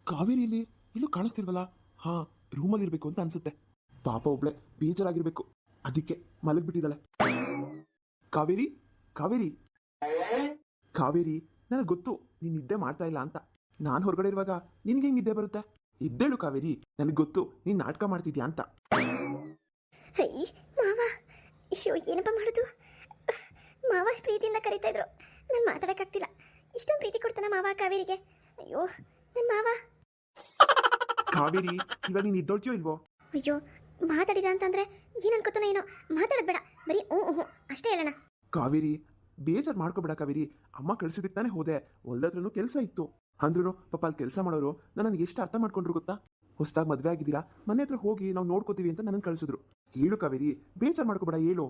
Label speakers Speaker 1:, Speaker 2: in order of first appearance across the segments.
Speaker 1: ಕಾವೇರಿ ಇಲ್ಲಿ ಇಲ್ಲೂ ಕಾಣಿಸ್ತಿಲ್ವಲ್ಲ? ಹಾ, ರೂಮಲ್ಲಿ ಇರ್ಬೇಕು ಅಂತ ಅನ್ಸುತ್ತೆ. ಪಾಪ ಒಬ್ಳೆ ಬೇಜಾರಾಗಿರ್ಬೇಕು, ಅದಕ್ಕೆ ಮಲಗ್ಬಿಟ್ಟಿದ್ದಾಳೆ. ಕಾವೇರಿ, ಕಾವೇರಿ, ಕಾವೇರಿ, ನನಗೆ ಗೊತ್ತು ನೀನ್ ನಿದ್ದೆ ಮಾಡ್ತಾ ಇಲ್ಲ ಅಂತ. ನಾನು ಹೊರಗಡೆ ಇರುವಾಗ ನಿನ್ಗೆ ಹೆಂಗ್ ನಿದ್ದೆ ಬರುತ್ತೆ? ಇದ್ದೇಳು ಕಾವೇರಿ, ನನಗೆ ಗೊತ್ತು ನೀನ್ ನಾಟಕ ಮಾಡ್ತಿದ್ಯಾ ಅಂತ.
Speaker 2: ಅಯ್ಯ ಮಾವ, ಅಯ್ಯೋ ಏನಪ್ಪ ಮಾಡೋದು? ಮಾವ ಅಷ್ಟು ಪ್ರೀತಿಯಿಂದ ಕರೀತಾ ಇದ್ರು, ನಾನು ಮಾತಾಡೋಕ್ಕಾಗ್ತಿಲ್ಲ. ಇಷ್ಟೊಂದು ಪ್ರೀತಿ ಕೊಡ್ತಾನ ಮಾವ ಕಾವೇರಿಗೆ? ಅಯ್ಯೋ ನನ್ನ ಮಾವ.
Speaker 1: ಕಾವೇರಿ, ಇವಾಗ ನೀನ್ ಇದ್ದೋಳ್ತೀಯೋ ಇಲ್ವೋ?
Speaker 2: ಅಯ್ಯೋ ಮಾತಾಡಿದ ಅಂತಂದ್ರೆ ಏನ್ ಅನ್ಕೋತಾನೋ ಏನೋ. ಮಾತಾಡೋದು ಬೇಡ, ಬರೀ ಹ್ಞೂ ಅಷ್ಟೇ ಹೇಳೋಣ.
Speaker 1: ಕಾವೇರಿ, ಬೇಜಾರು ಮಾಡ್ಕೋಬೇಡ ಕಾವೇರಿ. ಅಮ್ಮ ಕಳ್ಸಿದಕ್ಕೆ ತಾನೇ ಹೋದೆ, ಹೊಲ್ದತ್ರನು ಕೆಲಸ ಇತ್ತು ಅಂದ್ರೂ ಪಾಪ ಅಲ್ಲಿ ಕೆಲಸ ಮಾಡೋರು ನನ್ನ ಎಷ್ಟು ಅರ್ಥ ಮಾಡ್ಕೊಂಡ್ರು ಗೊತ್ತಾ? ಹೊಸದಾಗಿ ಮದುವೆ ಆಗಿದ್ದೀರಾ, ಮನೆ ಹತ್ರ ಹೋಗಿ ನಾವು ನೋಡ್ಕೋತೀವಿ ಅಂತ ನನ್ನ ಕಳ್ಸಿದ್ರು. ಹೇಳು ಕಾವೇರಿ, ಬೇಜಾರು ಮಾಡ್ಕೋಬೇಡ, ಹೇಳು.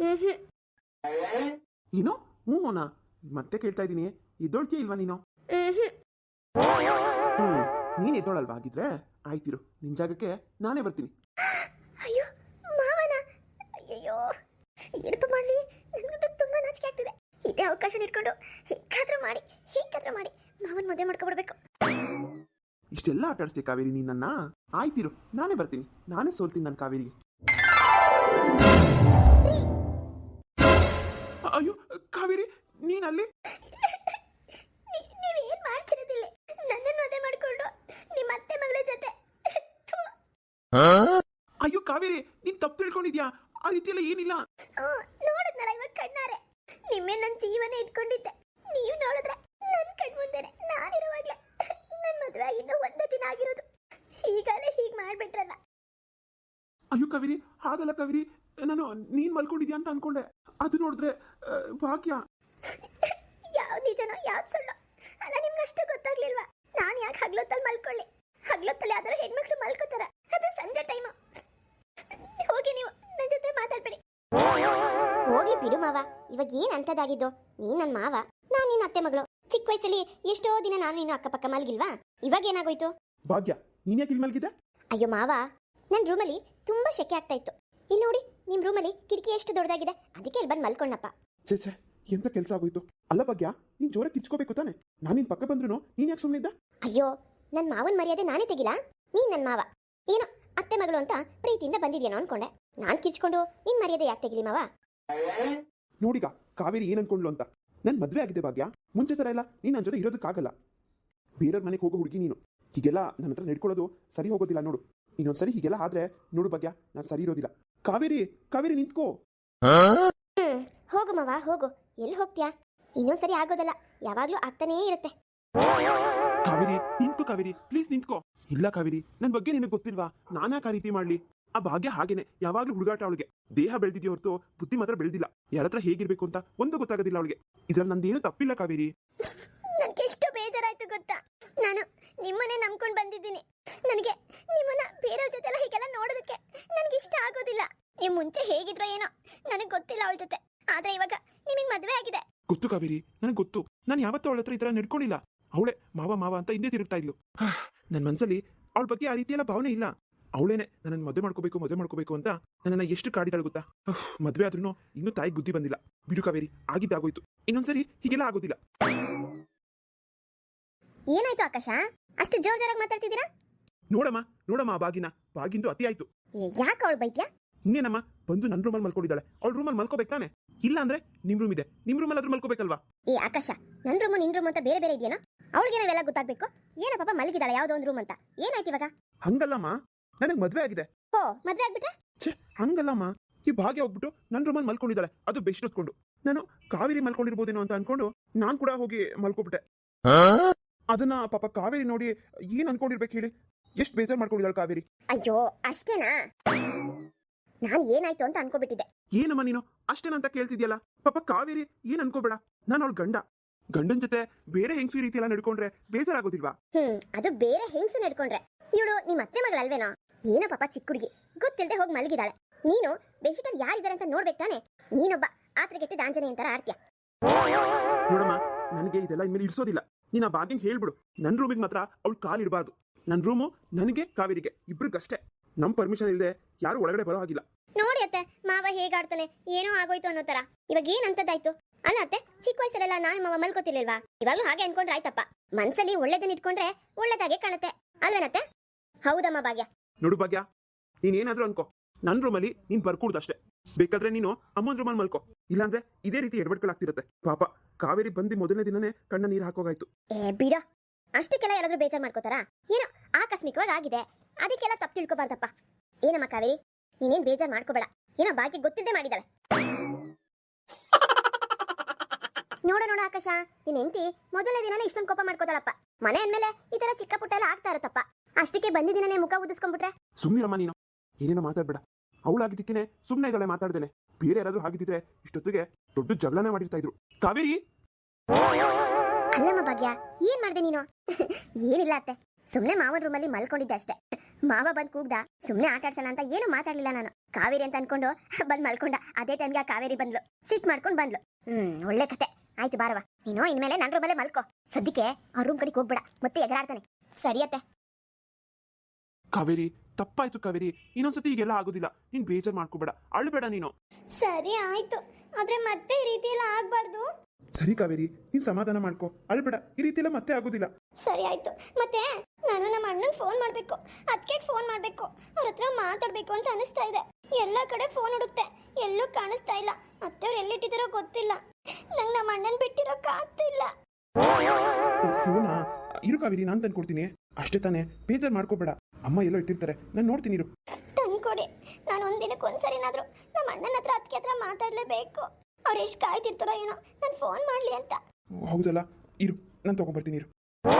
Speaker 1: ಏನೋ ಹ್ಞೂನಾ? ಮತ್ತೆ ಕೇಳ್ತಾ ಇದ್ದೀನಿ, ಇದ್ದೋಳ್ತೀಯ ಇಲ್ವಾ ನೀನು? ನೀನ್ ಎದ್ದೋಳಲ್ವಾ? ಆಗಿದ್ರೆ ಆಯ್ತಿರು, ನಿನ್ ಜಾಗಕ್ಕೆ ನಾನೇ ಬರ್ತೀನಿ.
Speaker 2: ಅಯ್ಯೋ ಮಾವನ, ಅಯ್ಯಯ್ಯೋ ಏನಪ್ಪ ಮಾಡಲಿ? ನನಗಂತೂ ತುಂಬಾ ನಾಚಿಕೆ ಆಗ್ತಿದೆ. ಇದೇ ಅವಕಾಶ ಇಟ್ಕೊಂಡು ಹೇಗಾದ್ರೂ ಮಾಡಿ ಮಾವನ್ ಮದುವೆ ಮಾಡ್ಕೊಬಿಡ್ಬೇಕು.
Speaker 1: ಇಷ್ಟೆಲ್ಲ ಆಟ ಆಡಿಸ್ತೀಯ ಕಾವೇರಿ ನೀನ್ ನನ್ನ? ಆಯ್ತಿರು, ನಾನೇ ಬರ್ತೀನಿ, ನಾನೇ ಸೋಲ್ತೀನಿ ನನ್ನ ಕಾವೇರಿಗೆ. ಅಯ್ಯೋ ಕಾವೇರಿ, ನೀನ್ ಅಲ್ಲಿ?
Speaker 2: ನೀವೇನ್ ಮಾಡ್ತಿರೋದಿಲ್ಲ? ನನ್ನನ್ನು ಮದುವೆ ಮಾಡ್ಕೊಂಡು ನಿಮ್ಮ ಅತ್ತೆ ಮಗಳ ಜೊತೆ.
Speaker 1: ಅಯ್ಯೋ ಕಾವೇರಿ, ನೀನ್ ತಪ್ಪು ತಿಳ್ಕೊಂಡಿದ್ಯಾ? ಆ ರೀತಿಯೆಲ್ಲ ಏನಿಲ್ಲ.
Speaker 2: ನೋಡಿದ್ನಲ್ಲ ಇವಾಗ ಕಣ್ಣಾರೆ, ನಿಮ್ಮೇ ನನ್ನ ಜೀವನ ಇಟ್ಕೊಂಡಿದ್ದೆ. ನೀವು ನೋಡಿದ್ರೆ ನನ್ನ ಕಣ್ಮುಂದೆನೆ ನಾನಿರುವಾಗ್ಲೇ ನನ್ನ ಮದುವೆ ಆಗಿ ಇನ್ನೂ ಒಂದೇ ದಿನ ಆಗಿರೋದು. ಹೀಗಾಲೆ ಹೀಗೆ ಮಾಡ್ಬಿಟ್ರಲ್ಲ.
Speaker 1: ಅಯ್ಯೋ ಕಾವೇರಿ, ಹಾಗಲ್ಲ ಕಾವೇರಿ, ನಾನು ನೀನ್ ಮಲ್ಕೊಂಡಿದ್ಯಾ ಅಂತ ಅನ್ಕೊಂಡೆ. ಅದು ನೋಡಿದ್ರೆ ಭಾಗ್ಯ.
Speaker 2: ಯಾವ್ದು ನಿಜನೋ ಯಾವ್ದು ಸುಳ್ಳು ಅಲ್ಲ ನಿಮ್ಗೆ ಅಷ್ಟು ಗೊತ್ತಾಗ್ಲಿಲ್ವಾ? ನಾನು ಯಾಕೆ ಹಗ್ಲೊತ್ತಲ್ಲಿ ಮಲ್ಕೊಳ್ಳಿ? ಹಗ್ಲೊತ್ತಲ್ಲಿ ಯಾವ್ದಾರು ಹೆಣ್ಮಕ್ಳು ಮಲ್ಕೋತಾರ, ಅದು ಸಂಜೆ ಟೈಮು. ಹೋಗಿ ನೀವು ನನ್ನ ಜೊತೆ ಮಾತಾಡ್ಬೇಡಿ. ಹೋಗ್ಲಿ ಬಿಡು ಮಾವ, ಇವಾಗ ಏನ್ ಅಂತದಾಗಿದ್ದು? ನೀನ್ ನನ್ನ ಮಾವ, ನಾನು ನಿನ್ನ ಅತ್ತೆ ಮಗಳು. ಚಿಕ್ಕ ವಯಸ್ಸಲ್ಲಿ ಎಷ್ಟೋ ದಿನ ನಾನು ನೀನು ಅಕ್ಕಪಕ್ಕ ಮಲ್ಗಿಲ್ವಾ? ಇವಾಗ ಏನಾಗೋಯ್ತು?
Speaker 1: ಭಾಗ್ಯ, ನೀನ್ ಯಾಕೆ ಇಲ್ಲಿ ಮಲ್ಗಿದ್ದೆ?
Speaker 2: ಅಯ್ಯೋ ಮಾವ, ನನ್ನ ರೂಮಲ್ಲಿ ತುಂಬಾ ಶೆಕೆ ಆಗ್ತಾ ಇತ್ತು. ಇಲ್ಲಿ ನೋಡಿ, ನಿಮ್ ರೂಮಲ್ಲಿ ಕಿಟಕಿ ಎಷ್ಟು ದೊಡ್ಡದಾಗಿದೆ, ಅದಕ್ಕೆ ಇಲ್ಲಿ ಬಂದು ಮಲ್ಕೊಂಡಪ್ಪ.
Speaker 1: ಛೇ ಛೇ, ಎಂತ ಕೆಲಸ ಆಗೋಯ್ತು? ಅಲ್ಲ ಭಾಗ್ಯ, ನೀನ್ ಜೋರ ಕಿಚ್ಕೋಬೇಕು ತಾನೆ? ನಾನು ನಿನ್ ಪಕ್ಕ ಬಂದ್ರು ನೀನ್ ಯಾಕೆ ಸುಮ್ಮನಿದ್ದ?
Speaker 2: ಅಯ್ಯೋ, ನನ್ನ ಮಾವನ ಮರ್ಯಾದೆ ನಾನೇ ತೆಗಿಲಾ? ನೀನ್ ನನ್ನ ಮಾವ, ಏನೋ ಅತ್ತೆ ಮಗಳು ಅಂತ ಪ್ರೀತಿಯಿಂದ ಬಂದಿದ್ಯೇನೋ ಅನ್ಕೊಂಡೆ. ನಾನ್ ಕಿಚ್ಕೊಂಡು ನಿನ್ ಮರ್ಯಾದೆ ಯಾಕೆ ತೆಗಿಲಿ ಮಾವ?
Speaker 1: ನೋಡಿಗ ಕಾವೇರಿ ಏನ್ ಅನ್ಕೊಂಡ್ಲು ಅಂತ. ನನ್ ಮದ್ವೆ ಆಗಿದೆ ಭಾಗ್ಯ, ಮುಂಚೆ ತರ ಎಲ್ಲ ನೀನ್ ನನ್ನ ಜೊತೆ ಇರೋದಕ್ಕಾಗಲ್ಲ. ಬೇರೆಯವ್ರ ಮನೆಗೆ ಹೋಗೋ ಹುಡುಗಿ ನೀನು. ಹೀಗೆಲ್ಲ ನನ್ನ ಹತ್ರ ನಡ್ಕೊಳ್ಳೋದು ಸರಿ ಹೋಗೋದಿಲ್ಲ ನೋಡು. ಇನ್ನೊಂದ್ಸರಿ ಹೀಗೆಲ್ಲ ಆದ್ರೆ ನೋಡು ಭಾಗ್ಯ, ನಾನು ಸರಿ ಇರೋದಿಲ್ಲ. ಕಾವೇರಿ, ಕಾವೇರಿ ನಿಂತ್ಕೋ.
Speaker 2: ಹೋಗು ಮಾವ ಹೋಗು, ಎಲ್ಲಿ ಹೋಗ್ತೀಯಾ? ಇನ್ನೊಂದ್ಸರಿ ಆಗೋದಲ್ಲ, ಯಾವಾಗ್ಲೂ ಆಗ್ತಾನೇ ಇರುತ್ತೆ.
Speaker 1: ಕಾವೇರಿ ನಿಂತ್ಕೋ, ಕಾವೇರಿ ಪ್ಲೀಸ್ ನಿಂತ್ಕೋ. ಇಲ್ಲ ಕಾವೇರಿ, ನನ್ ಬಗ್ಗೆ ನಿನಗೆ ಗೊತ್ತಿಲ್ವಾ? ನಾನ್ಯಾಕೆ ಆ ರೀತಿ ಮಾಡ್ಲಿ? ಆ ಭಾಗ್ಯ ಹಾಗೇನೆ, ಯಾವಾಗ್ಲೂ ಹುಡುಗಾಟ ಅವಳಿಗೆ. ದೇಹ ಬೆಳೆದಿದ್ಯೋ ಹೊರತು ಬುದ್ಧಿ ಮಾತ್ರ ಬೆಳೆದಿಲ್ಲ. ಯಾರತ್ರ ಹೇಗಿರ್ಬೇಕು ಅಂತ ಒಂದು ಗೊತ್ತಾಗೋದಿಲ್ಲ ಅವಳಿಗೆ. ಇದ್ರಲ್ಲಿ ನಂದೇನು ತಪ್ಪಿಲ್ಲ ಕಾವೇರಿ.
Speaker 2: ನನ್ಗೆ ಎಷ್ಟು ಬೇಜಾರಾಯ್ತು ಗೊತ್ತಾ? ನಾನು ನಿಮ್ಮನ್ನೇ ನಂಬ್ಕೊಂಡು ಬಂದಿದ್ದೀನಿ. ನನಗೆ ನಿಮ್ಮನ್ನ ಬೇರೆಯವ್ರ ಜೊತೆ ಎಲ್ಲ ಹೀಗೆಲ್ಲ ನೋಡೋದಕ್ಕೆ ನನ್ಗೆ ಇಷ್ಟ ಆಗೋದಿಲ್ಲ. ನೀವು ಮುಂಚೆ ಹೇಗಿದ್ರೋ ಏನೋ ನನಗೆ ಗೊತ್ತಿಲ್ಲ ಅವಳ ಜೊತೆ, ಆದ್ರೆ ಇವಾಗ ನಿಮಗೆ ಮದುವೆ ಆಗಿದೆ.
Speaker 1: ಗೊತ್ತು ಕಾವೇರಿ, ನನಗೆ ಗೊತ್ತು. ನಾನು ಯಾವತ್ತೂ ಅವಳ ಹತ್ರ ಈ ತರ ನಡ್ಕೊಂಡಿಲ್ಲ. ಅವಳೆ ಮಾವ ಮಾವ ಅಂತ ಹಿಂದೆ ತಿರುಗ್ತಾ ಇದ್ಲು. ನನ್ನ ಮನ್ಸಲ್ಲಿ ಅವಳ ಬಗ್ಗೆ ಆ ರೀತಿಯೆಲ್ಲ ಭಾವನೆ ಇಲ್ಲ. ಅವಳೇನೆ ನನ್ನ ಮದುವೆ ಮಾಡ್ಕೋಬೇಕು ಅಂತ ನನ್ನನ್ನ ಎಷ್ಟು ಕಾಡಿದಾಳು ಗೊತ್ತಾ? ಮದುವೆ ಆದ್ರೂ ಇನ್ನೂ ತಾಯಿಗೆ ಬುದ್ಧಿ ಬಂದಿಲ್ಲ. ಬಿಡು ಕಾವೇರಿ, ಆಗಿದ್ದಾಗೋಯ್ತು, ಇನ್ನೊಂದ್ಸರಿ ಹೀಗೆಲ್ಲ ಆಗೋದಿಲ್ಲ.
Speaker 2: ಏನಾಯ್ತು ಆಕಾಶ, ಅಷ್ಟು ಜೋರಾಗಿ ಮಾತಾಡ್ತಿದ್ದೀರಾ?
Speaker 1: ನೋಡಮ್ಮ ಆ ಬಾಗಿಂದು ಅತಿ ಆಯ್ತು.
Speaker 2: ಯಾಕೆ ಅವಳು ಬೈತ್ಯಾ?
Speaker 1: ಇನ್ನೇನಮ್ಮ, ಬಂದು ನನ್ನ ರೂಮಲ್ಲಿ ಮಲ್ಕೊಂಡಿದ್ದಾಳೆ. ಅವಳ ರೂಮಲ್ಲಿ ಮಲ್ಕೋಬೇಕು ತಾನೆ? ಇಲ್ಲ ಅಂದ್ರೆ ನಿಮ್ ರೂಮ್ ಇದೆ, ನಿಮ್ ರೂಮಲ್ಲಿ ಆದ್ರೂ ಮಲ್ಕೋಬೇಕಲ್ವಾ?
Speaker 2: ಏ ಆಕಾಶ, ನನ್ನ ರೂಮು ನಿನ್ ರೂಮ್ ಅಂತ ಬೇರೆ ಬೇರೆ ಇದೆಯೇನೋ? ಅವಳಿಗೆ ನಾವೆಲ್ಲ ಗೊತ್ತಾಗ್ಬೇಕು. ಏನೋ ಪಾಪ ಮಲಗಿದಾಳೆ ಯಾವ್ದೋ ಒಂದು ರೂಮ್ ಅಂತ. ಏನಾಯ್ತು ಇವಾಗ?
Speaker 1: ಹಂಗಲ್ಲಮ್ಮ, ನನಗೆ ಮದ್ವೆ ಆಗಿದೆ.
Speaker 2: ಓ, ಮದ್ವೆ ಆಗ್ಬಿಟ್ರೆ?
Speaker 1: ಛೇ, ಹಂಗಲ್ಲಮ್ಮ. ಈ ಭಾಗ್ಯ ಹೋಗ್ಬಿಟ್ಟು ನನ್ನ ರೂಮಲ್ಲಿ ಮಲ್ಕೊಂಡಿದ್ದಾಳೆ, ಅದು ಬೆಸ್ಟ್ ಹೊತ್ಕೊಂಡು. ನಾನು ಕಾವೇರಿ ಮಲ್ಕೊಂಡಿರ್ಬೋದೇನೋ ಅಂತ ಅನ್ಕೊಂಡು ನಾನ್ ಕೂಡ ಹೋಗಿ ಮಲ್ಕೊಬಿಟ್ಟೆ. ಅದನ್ನ ಪಾಪ ಕಾವೇರಿ ನೋಡಿ ಏನ್ ಅನ್ಕೊಂಡಿರ್ಬೇಕು ಹೇಳಿ? ಎಷ್ಟು ಬೇಜಾರ್ ಮಾಡ್ಕೊಂಡಿದ್ದಾಳೆ ಕಾವೇರಿ.
Speaker 2: ಅಯ್ಯೋ ಅಷ್ಟೇನಾ? ನಾನು ಏನಾಯ್ತು ಅಂತ ಅನ್ಕೋಬಿಟ್ಟಿದ್ದೆ.
Speaker 1: ಏನಮ್ಮ ನೀನು ಅಷ್ಟೇನಂತ ಕೇಳ್ತಿದ್ಯಲ್ಲ? ಪಾಪ ಕಾವೇರಿ ಏನ್ ಅನ್ಕೋಬೇಡ, ನಾನು ಅವಳ ಗಂಡನ್ ಜೊತೆ ಬೇರೆ ಹೆಂಗಸಿ ರೀತಿ ಎಲ್ಲ ನಡ್ಕೊಂಡ್ರೆ ಬೇಜಾರಾಗೋದಿಲ್ವಾ?
Speaker 2: ಅದು ಬೇರೆ ಹೆಂಗಸು ನಡ್ಕೊಂಡ್ರೆ. ಇವಳು ನಿಮ್ಮ ಅತ್ತೆ ಮಗಳಲ್ವೇನೋ? ಏನೋ ಪಾಪ ಚಿಕ್ಕ ಹುಡುಗಿ, ಗೊತ್ತಿಲ್ಲದೆ ಹೋಗಿ ಮಲಗಿದಾಳೆ. ನೀನು ಬೆಡ್ಶೀಟಲ್ಲಿ ಯಾರಿದ್ದಾರೆ ಅಂತ ನೋಡ್ಬೇಕು ತಾನೆ? ನೀನೊಬ್ಬ ಆತ್ರೆಗೆಟ್ಟಿದ ಆಂಜನೇಯ ಅಂತಾರ ಆಡ್ತೀಯ.
Speaker 1: ನೋಡಮ್ಮ, ನನಗೆ ಇದೆಲ್ಲ ಇನ್ಮೇಲೆ ಇಡ್ಸೋದಿಲ್ಲ. ನೀನ್ ಆ ಭಾಗ್ಯಂಗ್ ಹೇಳ್ಬಿಡು, ನನ್ನ ರೂಮಿಗೆ ಮಾತ್ರ ಅವಳು ಕಾಲಿಡಬಾರ್ದು. ನನ್ನ ರೂಮು ನನಗೆ ಕಾವೇರಿಗೆ ಇಬ್ರಿಗಷ್ಟೇ. ನಮ್ ಪರ್ಮಿಷನ್ ಇಲ್ಲದೆ ಯಾರು ಒಳಗಡೆ ಬರೋ ಹಾಗಿಲ್ಲ.
Speaker 2: ನೋಡಿ ಅತ್ತೆ, ಮಾವ ಹೇಗಾಡ್ತಾನೆ, ಏನೋ ಆಗೋಯ್ತು ಅನ್ನೋ ತರ. ಇವಾಗ ಏನಂತದ್ದಾಯ್ತು? ಅಲ್ಲ ಅತ್ತೆ, ಚಿಕ್ಕ ವಯಸ್ಸಲ್ಲೆಲ್ಲ ನಾನು ಮಾವ ಮಲ್ಕೋತಿರ್ಲಿಲ್ವಾ? ಇವಾಗ್ಲೂ ಹಾಗೆ ಅನ್ಕೊಂಡ್ರೆ ಆಯ್ತಪ್ಪ. ಮನ್ಸಲ್ಲಿ ಒಳ್ಳೇದನ್ನ ಇಟ್ಕೊಂಡ್ರೆ ಒಳ್ಳೇದಾಗೆ ಕಾಣುತ್ತೆ ಅಲ್ವೇನತ್ತೆ? ಹೌದಮ್ಮ ಭಾಗ್ಯ.
Speaker 1: ನೋಡು ಭಾಗ್ಯ, ನೀನೇನಾದ್ರೂ ಅನ್ಕೋ, ನನ್ನ ರೂಮಲ್ಲಿ ನೀನ್ ಬರ್ಕೂಡ್ದಷ್ಟೇ. ಬೇಕಾದ್ರೆ ನೀನು ಅಮ್ಮನ ರೂಮಲ್ಲಿ ಮಲ್ಕೋ, ಇಲ್ಲಾಂದ್ರೆ ಇದೇ ರೀತಿ ಎಡವಟ್ಗಳಾಗ್ತಿರತ್ತೆ. ಪಾಪ ಕಾವೇರಿ ಬಂದು ಮೊದಲನೇ ದಿನನೇ ಕಣ್ಣ ನೀರು ಹಾಕೋಗಾಯ್ತು.
Speaker 2: ಬಿಡ, ಅಷ್ಟಕ್ಕೆಲ್ಲ ಯಾರಾದ್ರೂ ಬೇಜಾರು ಮಾಡ್ಕೋತಾರಾ? ಏನೋ ಆಕಸ್ಮಿಕವಾಗಿ ಆಗಿದೆ, ಅದಕ್ಕೆಲ್ಲ ತಪ್ಪು ತಿಳ್ಕೊಬಾರ್ದಪ್ಪ. ಏನಮ್ಮ ಕಾವೇರಿ, ನೀನೇನ್ ಬೇಜಾರು ಮಾಡ್ಕೋಬೇಡ. ಏನೋ ಬಾಕಿ ಗೊತ್ತಿದ್ದೆ ಮಾಡಿದಾಳೆ. ನೋಡ ಆಕಾಶ, ನಿನ್ ಹೆಂಡತಿ ಮೊದಲನೇ ದಿನನೇ ಇಷ್ಟೊಂದು ಕೋಪ ಮಾಡ್ಕೋತಾಳಪ್ಪ. ಮನೆ ಅಂದ್ಮೇಲೆ ಈ ತರ ಚಿಕ್ಕ ಪುಟ್ಟ ಎಲ್ಲ ಆಗ್ತಾ ಇರತ್ತಪ್ಪ. ಅಷ್ಟಕ್ಕೆ ಬಂದಿದ್ದೀನೇ ಮುಖ ಉದಿಸ್ಕೊಂಡ್ಬಿಟ್ರೆ.
Speaker 1: ಸುಮ್ಮನಿರಮ್ಮ ನೀನು, ಏನೇನೋ ಮಾತಾಡ್ಬೇಡ. ಅವಳಾಗಿದ್ದಕ್ಕೇನೆ ಸುಮ್ಮನೆ ಇದ್ದಾಳೆ ಮಾತಾಡ್ದೇನೆ. ಬೇರೆ ಯಾರಾದ್ರೂ ಆಗಿದ್ದಿದ್ರೆ ಇಷ್ಟೊತ್ತಿಗೆ ದೊಡ್ಡ ಜಗಳನೇ ಮಾಡಿರ್ತಾ ಇದ್ರು. ಕಾವೇರಿ,
Speaker 2: ಅಲ್ಲಮ್ಮ ಭಾಗ್ಯ, ಏನ್ ಮಾಡ್ದೆ ನೀನು? ಏನಿಲ್ಲ ಅತ್ತೆ, ಸುಮ್ನೆ ಮಾವನ ರೂಮಲ್ಲಿ ಮಲ್ಕೊಂಡಿದ್ದೆ ಅಷ್ಟೇ. ಮಾವ ಬಂದ್ ಕೂಗ್ದ, ಸುಮ್ನೆ ಆಟ ಆಡ್ಸೋಣ ಅಂತ ಏನು ಮಾತಾಡ್ಲಿಲ್ಲ ನಾನು. ಕಾವೇರಿ ಅಂತ ಅನ್ಕೊಂಡು ಬಂದ್ ಮಲ್ಕೊಂಡ. ಅದೇ ಟೈಮ್ಗೆ ಆ ಕಾವೇರಿ ಬಂದ್ಲು, ಸಿಟ್ ಮಾಡ್ಕೊಂಡ್ ಬಂದ್ಲು. ಒಳ್ಳೆ ಕತೆ ಆಯ್ತು. ಬಾರವ, ನೀನು ಇನ್ಮೇಲೆ ನನ್ನ ರೂಮಲ್ಲೇ ಮಲ್ಕೋ. ಸದ್ಯಕ್ಕೆ ಆ ರೂಮ್ ಕಡೆಗೆ ಹೋಗ್ಬೇಡ, ಮತ್ತೆ ಎಗರಾಡ್ತಾನೆ. ಸರಿ ಅತ್ತೆ.
Speaker 1: ಕಾವೇರಿ, ತಪ್ಪಾಯ್ತು ಕಾವೇರಿ, ಇನ್ನೊಂದ್ಸತಿ ಈಗೆಲ್ಲ ಆಗೋದಿಲ್ಲ. ನೀನ್ ಬೇಜಾರ್ ಮಾಡ್ಕೋಬೇಡ, ಅಳ್ಬೇಡ ನೀನು.
Speaker 2: ಸರಿ ಆಯ್ತು, ಆದ್ರೆ ಮತ್ತೆ ಈ ರೀತಿ ಎಲ್ಲ ಆಗ್ಬಾರ್ದು.
Speaker 1: ಸರಿ ಕಾವೇರಿ, ನೀನ್ ಸಮಾಧಾನ ಮಾಡ್ಕೋ, ಅಳ್ಬೇಡ. ಈ ರೀತಿ ಎಲ್ಲ ಮತ್ತೆ ಆಗೋದಿಲ್ಲ.
Speaker 2: ಸರಿ ಆಯ್ತು. ಮತ್ತೆ ನಾನು ನಮ್ಮ ಅಣ್ಣಂಗೆ ಫೋನ್ ಮಾಡ್ಬೇಕು, ಅದಕ್ಕೆ ಫೋನ್ ಮಾಡ್ಬೇಕು, ಅವ್ರ ಹತ್ರ ಮಾತಾಡ್ಬೇಕು ಅಂತ ಅನಿಸ್ತಾ ಇದೆ. ಎಲ್ಲ ಕಡೆ ಫೋನ್ ಹುಡುಕ್ತೆ, ಎಲ್ಲೂ ಕಾಣಿಸ್ತಾ ಇಲ್ಲ. ಅತ್ತೆಯವ್ರು ಎಲ್ಲಿಟ್ಟಿದಾರೋ ಗೊತ್ತಿಲ್ಲ. ನಂಗೆ ನಮ್ಮ ಅಣ್ಣನ್ ಬಿಟ್ಟಿರೋಕ್ ಆಗ್ತಿಲ್ಲ.
Speaker 1: ಫೋನಾ? ಇರು ಕಾವೇರಿ, ನಾನ್ ತಂದ್ಕೊಡ್ತೀನಿ. ಅಷ್ಟೇ ತಾನೇ, ಬೇಜಾರ್ ಮಾಡ್ಕೋಬೇಡ. ಅಮ್ಮ ಎಲ್ಲೋ ಇಟ್ಟಿರ್ತಾರೆ, ನಾನು ನೋಡ್ತೀನಿ ಇರು.
Speaker 2: ತಂದ್ಕೊಡಿ. ನಾನು ಒಂದಿನಕ್ಕೆ ಒಂದ್ಸರಿನಾದ್ರೂ ನಮ್ಮ ಅಣ್ಣನ ಹತ್ರ ಅದಕ್ಕೆ ಹತ್ರ ಮಾತಾಡ್ಲೇಬೇಕು. ಅವ್ರು ಎಷ್ಟು ಕಾಯ್ತಿರ್ತಾರೋ ಏನೋ ನಾನು ಫೋನ್ ಮಾಡ್ಲಿ ಅಂತ.
Speaker 1: ಹೌದಲ್ಲ, ಇರು, ನಾನು ತಗೊಂಡ್ಬರ್ತೀನಿ ಇರು.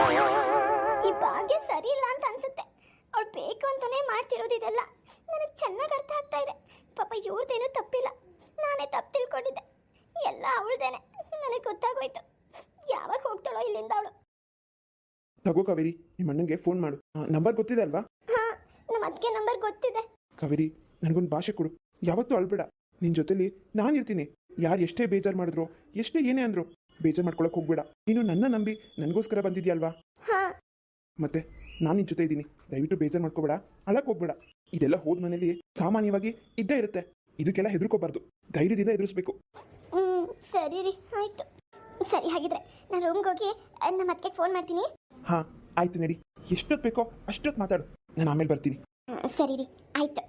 Speaker 2: ಈ ಭಾಗ್ಯ ಸರಿ ಇಲ್ಲ ಅಂತ ಅನ್ಸುತ್ತೆ. ಅವಳು ಬೇಕು ಅಂತಾನೆ ಮಾಡ್ತಿರೋದು ಇದೆಲ್ಲ. ನನಗೆ ಚೆನ್ನಾಗಿ ಅರ್ಥ ಆಗ್ತಾ ಇದೆ. ಪಾಪ ಇವ್ರದ್ದೇನೂ ತಪ್ಪಿಲ್ಲ, ನಾನೇ ತಪ್ಪು ತಿಳ್ಕೊಂಡಿದ್ದೆ. ಎಲ್ಲ ಅವಳದೇನೆ, ನನಗೆ ಗೊತ್ತಾಗೋಯ್ತು. ಯಾವಾಗ ಹೋಗ್ತಾಳೋ ಇಲ್ಲಿಂದ ಅವಳು.
Speaker 1: ತಗೋ ಕಾವೇರಿ, ನಿಮ್ಮ ಅಣ್ಣಂಗೆ ಫೋನ್ ಮಾಡು. ನಂಬರ್ ಗೊತ್ತಿದೆ ಅಲ್ವಾ?
Speaker 2: ಹಾ, ನಮ್ಮ ಅದಕ್ಕೆ ನಂಬರ್ ಗೊತ್ತಿದೆ.
Speaker 1: ಕಾವೇರಿ, ನನಗೊಂದು ಭಾಷೆ ಕೊಡು. ಯಾವತ್ತೂ ಅಳ್ಬೇಡ. ನಿನ್ ಜೊತೆಲಿ ನಾನಿರ್ತೀನಿ. ಯಾರು ಎಷ್ಟೇ ಬೇಜಾರು ಮಾಡಿದ್ರು, ಎಷ್ಟೇ ಏನೇ ಅಂದ್ರು ಬೇಜಾರು ಮಾಡ್ಕೊಳಕ್ ಹೋಗ್ಬೇಡ. ನೀನು ನನ್ನ ನಂಬಿ ನನಗೋಸ್ಕರ ಬಂದಿದ್ಯಲ್ವಾ? ಮತ್ತೆ ನಾನು ನಿನ್ ಜೊತೆ ಇದ್ದೀನಿ. ದಯವಿಟ್ಟು ಬೇಜಾರು ಮಾಡ್ಕೋಬೇಡ, ಅಳಕ್ ಹೋಗ್ಬೇಡ. ಇದೆಲ್ಲ ಹೋದ ಮನೇಲಿ ಸಾಮಾನ್ಯವಾಗಿ ಇದ್ದೇ ಇರುತ್ತೆ. ಇದಕ್ಕೆಲ್ಲ ಹೆದರ್ಕೋಬಾರ್ದು, ಧೈರ್ಯದಿಂದ ಎದುರಿಸ್ಬೇಕು.
Speaker 2: ಸರಿ ರೀ, ಆಯ್ತು. ಸರಿ, ಹಾಗಿದ್ರೆ ನಾನು ರೂಮ್ಗೆ ಹೋಗಿ ನಮ್ಮ ಅದಕ್ಕೆ ಫೋನ್ ಮಾಡ್ತೀನಿ.
Speaker 1: ಹಾ ಆಯ್ತು, ನಡಿ. ಎಷ್ಟೊತ್ತು ಬೇಕೋ ಅಷ್ಟೊತ್ತು ಮಾತಾಡು, ನಾನು ಆಮೇಲೆ ಬರ್ತೀನಿ.
Speaker 2: ಸರಿ ರೀ, ಆಯ್ತು.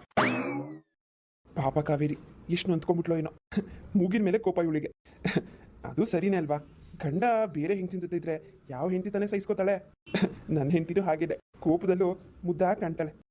Speaker 1: ಪಾಪ ಕಾವೇರಿ ಎಷ್ಟು ನೊಂದ್ಕೊಂಡ್ಬಿಟ್ಲೋ ಏನೋ. ಮೂಗಿನ ಮೇಲೆ ಕೋಪ ಇವಳಿಗೆ. ಅದು ಸರಿನೇ ಅಲ್ವಾ? ಗಂಡ ಬೇರೆ ಹೆಂಡತಿ ಜೊತೆ ಇದ್ರೆ ಯಾವ ಹೆಂಡತಿ ತಾನೇ ಸಹಿಸ್ಕೋತಾಳೆ? ನನ್ನ ಹೆಂಡತಿನೂ ಹಾಗಿದೆ, ಕೋಪದಲ್ಲೂ ಮುದ್ದಾಗಿ ಕಾಣ್ತಾಳೆ.